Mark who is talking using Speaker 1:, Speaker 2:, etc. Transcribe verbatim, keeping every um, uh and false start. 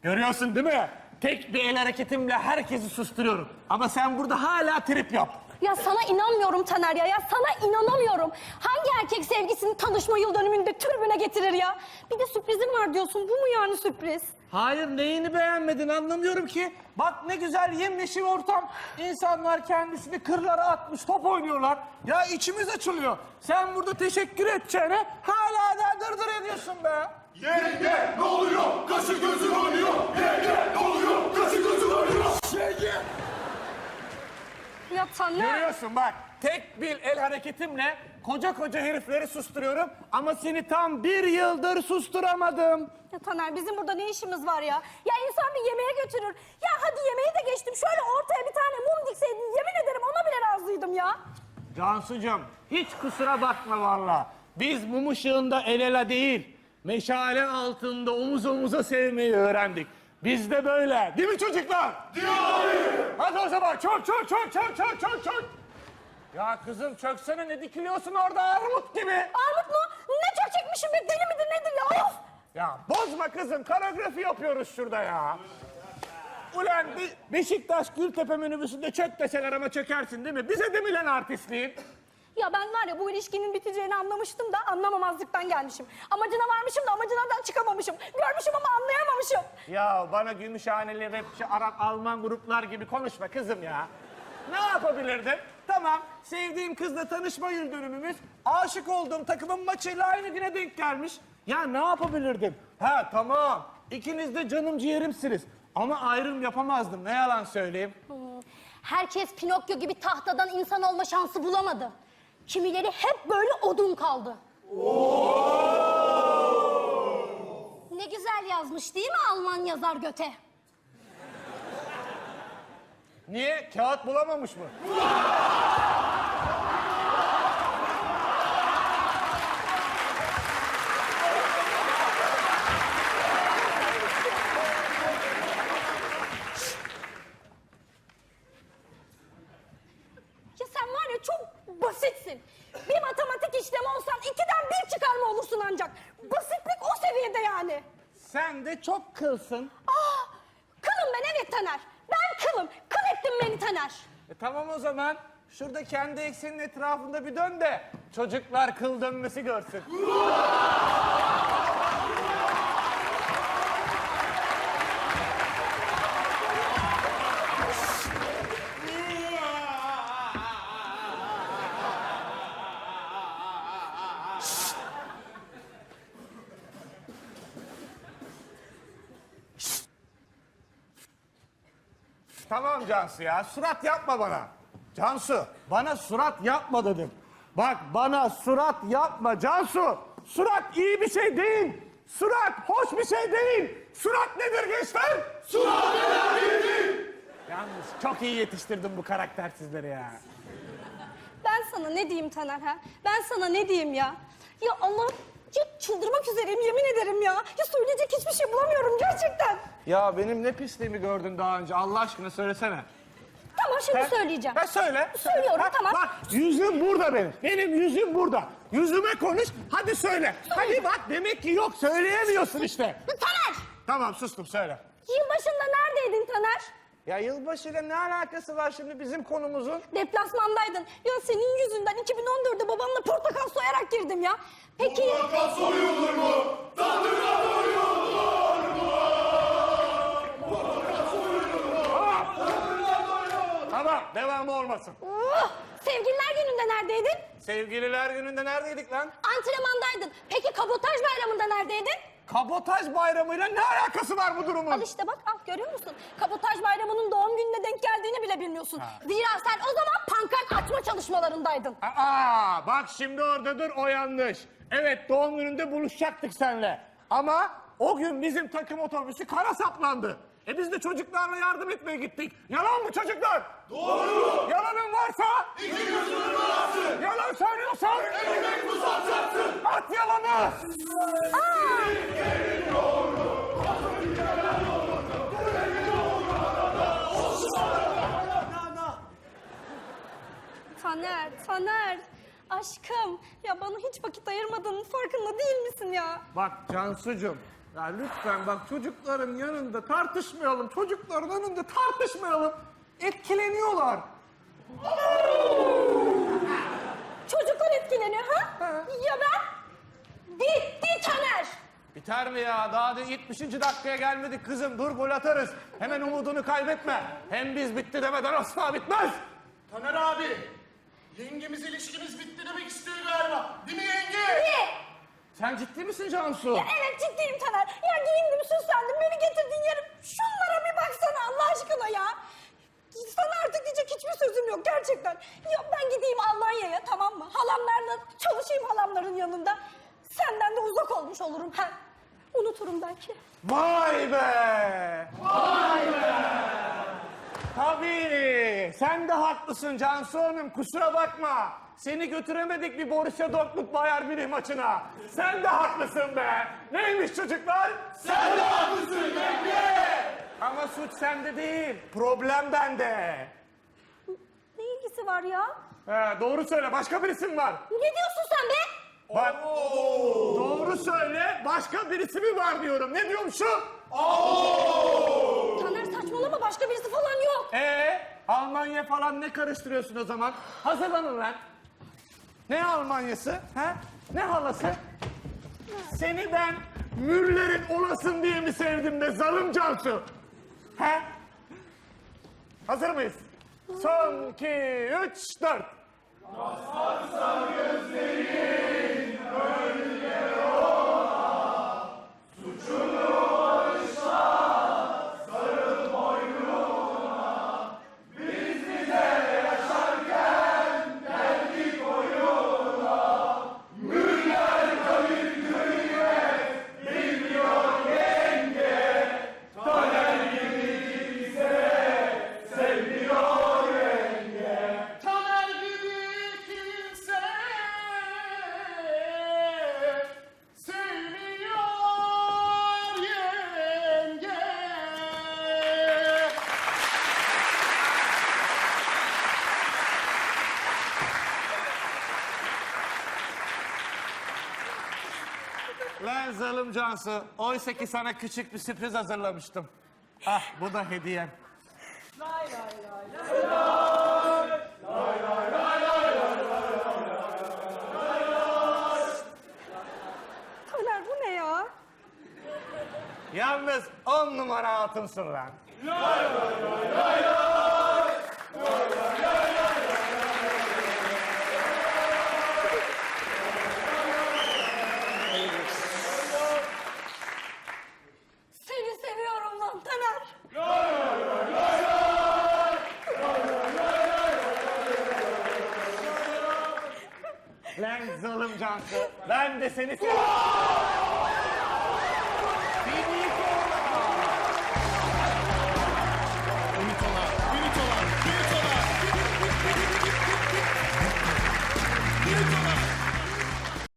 Speaker 1: Görüyorsun değil mi? Tek bir el hareketimle herkesi susturuyorum. Ama sen burada hala trip yap.
Speaker 2: Ya sana inanmıyorum Taner ya. Ya sana inanamıyorum. Hangi erkek sevgisini tanışma yıl dönümünde tribüne getirir ya? Bir de sürprizim var diyorsun. Bu mu yani sürpriz?
Speaker 1: Hayır, neyini beğenmedin anlamıyorum ki. Bak ne güzel yemyeşil ortam. İnsanlar kendisini kırlara atmış, top oynuyorlar. Ya içimiz açılıyor. Sen burada teşekkür edeceğine hala da dırdır ediyorsun be.
Speaker 3: Yenge ne oluyor? Kaşı gözün oynuyor. Yenge ne oluyor? Kaşı gözün oynuyor. Yenge.
Speaker 2: Ya Taner.
Speaker 1: Görüyorsun bak, tek bir el hareketimle koca koca herifleri susturuyorum ama seni tam bir yıldır susturamadım.
Speaker 2: Ya Taner bizim burada ne işimiz var ya? Ya insan bir yemeğe götürür. Ya hadi yemeği de geçtim. Şöyle ortaya bir tane mum dikseydin yemin ederim ona bile razıydım ya.
Speaker 1: Cansucuğum, hiç kusura bakma valla. Biz mum ışığında el ele değil, meşale altında omuz omuza sevmeyi öğrendik. Biz de böyle. Değil mi çocuklar?
Speaker 3: Diyor abi.
Speaker 1: Hadi o zaman çök çök çök çök çök çök çök. Ya kızım çöksene, ne dikiliyorsun orada armut gibi?
Speaker 2: Armut mu? Ne çok çekmişim be deli midir nedir ya? Of!
Speaker 1: Ya bozma kızım, koreografi yapıyoruz şurada ya. Ulan Be Beşiktaş Gültepe minibüsünde çök deseler ama çökersin değil mi? Bize de mi lan artistliğin?
Speaker 2: Ya ben var ya bu ilişkinin biteceğini anlamıştım da anlamamazlıktan gelmişim. Amacına varmışım da amacından çıkamamışım. Görmüşüm ama anlayamamışım.
Speaker 1: Ya bana Gümüşhaneli, rapçi, Arap, Alman gruplar gibi konuşma kızım ya. Ne yapabilirdim? Tamam, sevdiğim kızla tanışma yıl dönümümüz, aşık olduğum takımın maçıyla aynı güne denk gelmiş. Ya ne yapabilirdim? Ha tamam, ikiniz de canım ciğerimsiniz. Ama ayrım yapamazdım, ne yalan söyleyeyim.
Speaker 2: Hmm. Herkes Pinokyo gibi tahtadan insan olma şansı bulamadı. Kimileri hep böyle odun kaldı. Ne güzel yazmış değil mi Alman yazar Göte?
Speaker 1: Niye? Kağıt bulamamış mı?
Speaker 2: Ya sen var ya çok basitsin. Bir matematik işlemi olsan ikiden bir çıkarma olursun ancak. Basitlik o seviyede yani.
Speaker 1: Sen de çok kılsın.
Speaker 2: Aa, kılım ben evet Taner. Ben kılım. Kıl ettin beni Taner.
Speaker 1: E tamam o zaman. Şurada kendi eksenin etrafında bir dön de çocuklar kıl dönmesi görsün. Tamam Cansu ya, surat yapma bana. Cansu, bana surat yapma dedim. Bak bana surat yapma Cansu. Surat iyi bir şey değil. Surat hoş bir şey değil. Surat nedir gençler?
Speaker 3: Surat neler değil.
Speaker 1: Yalnız çok iyi yetiştirdim bu karaktersizleri ya.
Speaker 2: Ben sana ne diyeyim Taner ha? Ben sana ne diyeyim ya? Ya Allah, ya çıldırmak üzereyim yemin ederim ya. Ya söyleyecek hiçbir şey bulamıyorum gerçekten.
Speaker 1: Ya benim ne pisliğimi gördün daha önce, Allah aşkına söylesene.
Speaker 2: Tamam şimdi
Speaker 1: Ha?
Speaker 2: söyleyeceğim.
Speaker 1: Ha söyle.
Speaker 2: Söylüyorum,
Speaker 1: Ha,
Speaker 2: tamam.
Speaker 1: Bak yüzüm burada benim. Benim yüzüm burada. Yüzüme konuş, hadi söyle. Hadi bak demek ki yok, söyleyemiyorsun işte.
Speaker 2: Taner!
Speaker 1: Tamam sustum, söyle.
Speaker 2: Yılbaşında neredeydin Taner?
Speaker 1: Ya yılbaşıyla ne alakası var şimdi bizim konumuzun?
Speaker 2: Deplasmandaydın. Ya senin yüzünden iki bin on dörtte babanla portakal soyarak girdim ya. Peki...
Speaker 3: Portakal soyulur mu? Tanrı'na doyulur mu? Portakal soyulur mu? Tanrı'na doyulur mu?
Speaker 1: Tamam, devamı olmasın.
Speaker 2: Oh, sevgililer gününde neredeydin?
Speaker 1: Sevgililer gününde neredeydik lan?
Speaker 2: Antrenmandaydın. Peki kabotaj bayramında neredeydin?
Speaker 1: Kabotaj bayramıyla ne alakası var bu durumun?
Speaker 2: Al işte bak, al görüyor musun? Kabotaj bayramının doğum gününe denk geldiğini bile bilmiyorsun. Zira sen o zaman pankart açma çalışmalarındaydın.
Speaker 1: Aa, bak şimdi orada dur, o yanlış. Evet, doğum gününde buluşacaktık seninle. Ama o gün bizim takım otobüsü kara saplandı. E biz de çocuklarla yardım etmeye gittik. Yalan mı çocuklar?
Speaker 3: Doğru.
Speaker 1: Yalanın varsa...
Speaker 3: İki gözünü bağlasın.
Speaker 1: Yalan söylüyorsan...
Speaker 3: Ekmek mi satacaksın?
Speaker 1: At yalanı!
Speaker 2: Taner, Taner. Aşkım, ya bana hiç vakit ayırmadığının farkında değil misin ya?
Speaker 1: Bak Cansucuğum, Ya lütfen bak çocukların yanında tartışmayalım. Çocukların önünde tartışmayalım. Etkileniyorlar.
Speaker 2: Çocuklar etkileniyor ha?
Speaker 1: Ha.
Speaker 2: Ya ben? Bitti Taner.
Speaker 1: Biter mi ya? Daha da yetmişinci dakikaya gelmedik kızım. Dur gol atarız. Hemen umudunu kaybetme. Hem biz bitti demeden asla bitmez.
Speaker 3: Taner abi, yengemiz ilişkimiz bitti demek istiyor galiba. Değil mi yenge?
Speaker 2: Ne?
Speaker 1: Sen ciddi misin Cansu?
Speaker 2: Ya evet ciddiyim Taner. Ya giyindim süslendim beni getirdin yerim. Şunlara bir baksana Allah aşkına ya. Sana artık diyecek hiçbir sözüm yok gerçekten. Ya ben gideyim Almanya'ya tamam mı? Halamlarla çalışayım halamların yanında. Senden de uzak olmuş olurum. Ha. Unuturum belki.
Speaker 1: Vay be! Vay be! Tabii. Sen de haklısın Cansu Hanım. Kusura bakma. Seni götüremedik bir Borussia Dortmund Bayern Münih maçına. Sen de haklısın be. Neymiş çocuklar?
Speaker 3: Sen de haklısın yenge.
Speaker 1: Ama suç sende değil. Problem bende.
Speaker 2: Ne ilgisi var ya?
Speaker 1: He, doğru söyle. Başka birisi mi var?
Speaker 2: Ne diyorsun sen be?
Speaker 1: Bak. Doğru söyle. Başka birisi mi var diyorum. Ne diyormuşum?
Speaker 2: Taner saçmalama başka birisi falan yok.
Speaker 1: Ee, Almanya falan ne karıştırıyorsun o zaman? Hazırlanın lan. Ne Almanyası? Ha? Ne halası? Seni ben Müller'in olasın diye mi sevdim be zalim Cansu? Ha? Hazır mıyız? Son, iki, üç, dört.
Speaker 3: Taner gibi kimse sevmiyor yenge.
Speaker 1: Lan zalim Cansu. Oysa ki sana küçük bir sürpriz hazırlamıştım. Ah bu da hediyem.
Speaker 2: Taner bu ne ya?
Speaker 1: Yalnız on numara hatınsın lan.
Speaker 2: Seni seviyorum lan Taner.
Speaker 1: Lan zalim Cansu. Ben de seni seviyorum.
Speaker 3: Ünitolar, ünitolar, ünitolar. Ünitolar.